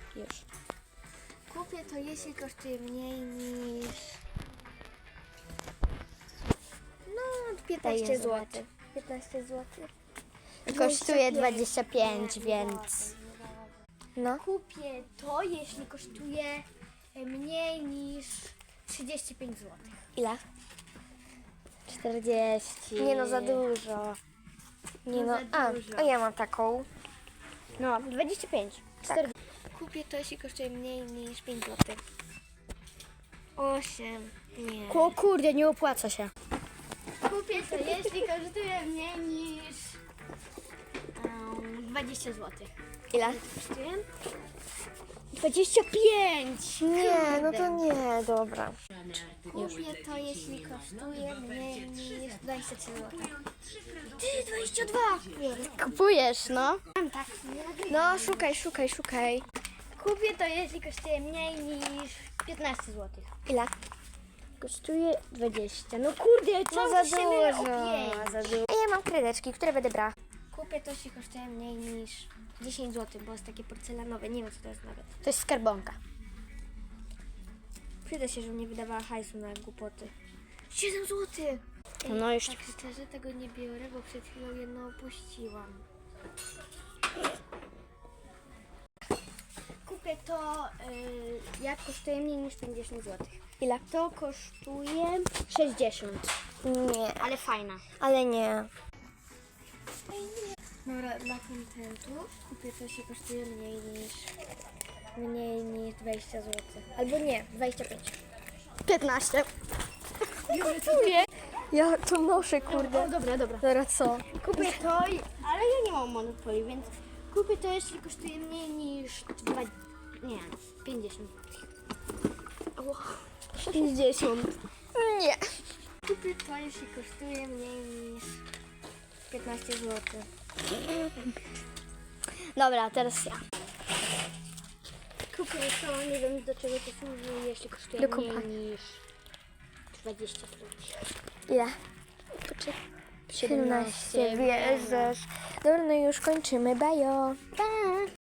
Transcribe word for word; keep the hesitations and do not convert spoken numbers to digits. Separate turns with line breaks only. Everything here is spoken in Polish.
Już.
Kupię to, jeśli kosztuje mniej niż... No, piętnaście
Daję
złotych. piętnaście złotych.
Kosztuje dwadzieścia pięć, więc... No.
Kupię to, jeśli kosztuje mniej niż trzydzieści pięć złotych.
Ile? czterdzieści. Nie no, za dużo. Nie no,
za
a,
dużo.
a ja mam taką. No, dwadzieścia pięć. czterdzieści.
Kupię to, jeśli kosztuje mniej niż pięć złotych. osiem. Nie.
O kurde, nie opłaca się.
Kupię to, jeśli kosztuje mniej niż um, dwadzieścia złotych.
Ile?
Kosztuje?
dwadzieścia pięć. Nie, no to nie, dobra.
Kupię to, jeśli kosztuje mniej niż dwadzieścia trzy złotych. Ty, dwadzieścia dwa!
Kupujesz, no.
Mam tak.
No, szukaj, szukaj, szukaj.
Kupię to, jeśli kosztuje mniej niż piętnaście złotych.
Ile? Kosztuje dwadzieścia. No kurde, co
No
za
za dużo,
dużo. Za dużo. A ja mam kredeczki, które będę brała.
Kupię to, jeśli kosztuje mniej niż dziesięć złotych, bo jest takie porcelanowe. Nie wiem, co to jest nawet.
To jest skarbonka.
Przyda się, żebym nie wydawała hajsu na głupoty. siedem złotych! Ej,
No już.
tak szczerze tego nie biorę, bo przed chwilą jedno opuściłam. Kupię to, yy, jak kosztuje mniej niż pięćdziesiąt złotych.
Ile?
To kosztuje,
sześćdziesiąt. Nie,
ale fajna.
ale nie.
Dobra, dla kontentu kupię to, się kosztuje mniej niż mniej niż dwadzieścia złotych. Albo nie, dwadzieścia pięć.
piętnaście. Kupuję. Ja to noszę, kurde.
O, dobra, dobra.
Dobra, co?
Kupię to, i- ale ja nie mam monopolii, więc kupię to, jeśli kosztuje mniej niż dwa, nie, pięćdziesiąt.
pięćdziesiąt. Nie.
Kupię to, jeśli kosztuje mniej niż piętnaście złotych.
Dobra, teraz ja.
Kupię to, nie wiem do czego to służy, jeśli kosztuje
Do
mniej
kompanii.
niż dwadzieścia złotych.
Ile? siedemnaście, wierzysz. Dobra, no już kończymy. Bajo. Pa.